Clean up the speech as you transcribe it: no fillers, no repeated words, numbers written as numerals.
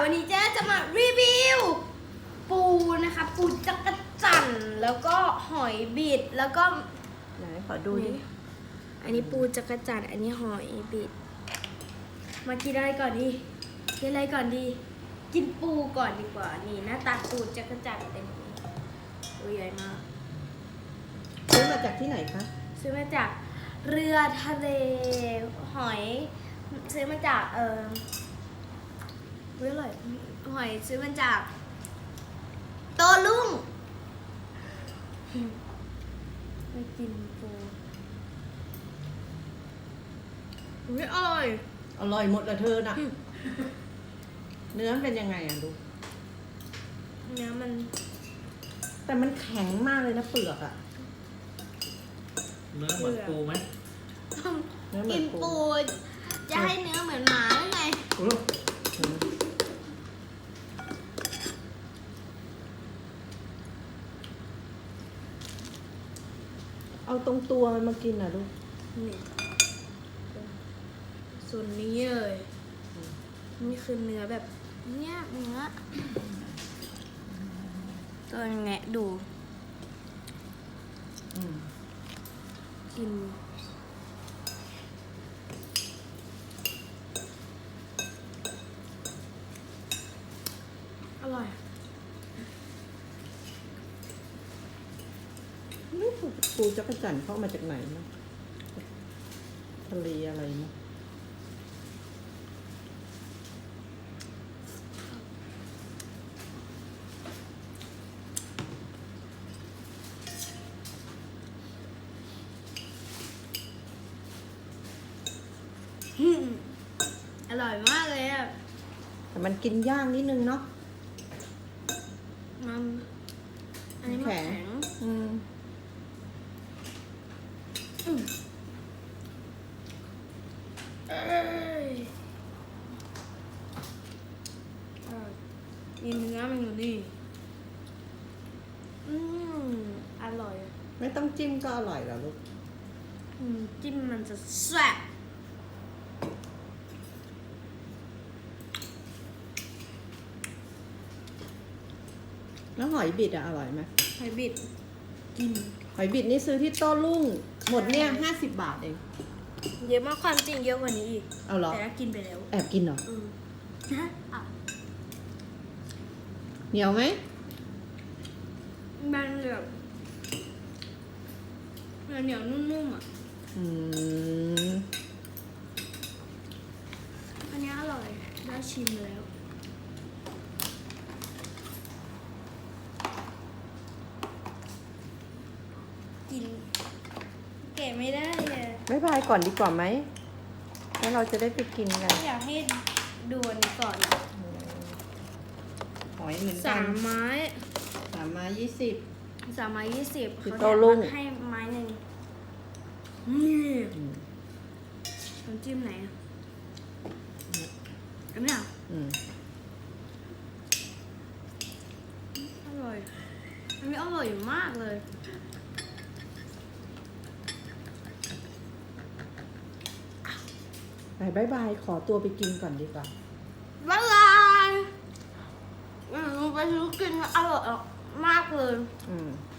วันนี้เจ๊จะมารีวิวปูนะคะปูจักรจั่นแล้วก็หอยบิดแล้วก็ไหนขอดูดิอันนี้ปูจักรจั่นอันนี้หอยบิดมากินอะไรก่อนดีกินอะไรก่อนดี กินปูก่อนดีกว่านี่หน้าตาปูจักรจั่นเป็นอย่างนี้ตัวใหญ่มากซื้อมาจากที่ไหนคะซื้อมาจากเรือทะเลหอยซื้อมาจากอร่อยหอยซื้อมาจากโตลุ่งไปกินปูอุ๊ยอร่อยอร่อยหมดละเธอน่ะ เนื้อเป็นยังไงอ่ะลูกเนื้อมันแต่มันแข็งมากเลยนะเปลือกอ่ะเนื้อเหมือนปูไหมเนื้อเหมืกิอนนปูปูจะให้เนื้อเหมือนหมาหรือไงเอาตรงตัวมันมากินอ่ะลูกนี่ส่วนนี้เลยนี่คือเนื้อแบบเนี้ยเนื้อตัวแงะดู กินอร่อยนี่ปูจักรจั่นเข้ามาจากไหนนะทะเลอะไรนะอร่อยมากเลยอ่ะแต่มันกินยากนิดนึงเนาะมันอันนี้มันแข็งอืมเอ้ยมีเนื้อมันอยู่นี่อร่อยไม่ต้องจิ้มก็อร่อยแล้วลูกจิ้มมันจะแซ่บแล้วหอยบิดอะอร่อยไหมหอยบิดกินหอยบิดนี่ซื้อที่โต้รุ่ง หมดเนี่ย50 บาทเองเยอะมากความจริงเยอะกว่านี้อีกเอาเหรอแต่ถ้ากินไปแล้วแอบกินเหรอนะอ่ะเหนียวไหมมันแบบเหนียวนุ่มๆอ่ะอืมอันนี้อร่อยได้ชิมแล้วกินเก๋ไม่ได้เลยบ๊ายบายก่อนดีกว่าไหมแล้วเราจะได้ไปกินกันอยากให้ดูอันนี้ก่อนหอยเหมือนกัสาน มไม้ 3 ไม้ 20 3 ไม้ 20 คือเขาโต้รุ่งให้ไม้หนึ่งนี่อืมน้ำจิ้มไหนอ่ะอันนี้อ่ะอืมอร่อยอันนี้อร่อยมากเลยบายบายขอตัวไปกินก่อนดีกว่าบ๊ายบายไปซื้อกินอร่อยมากเลยอืม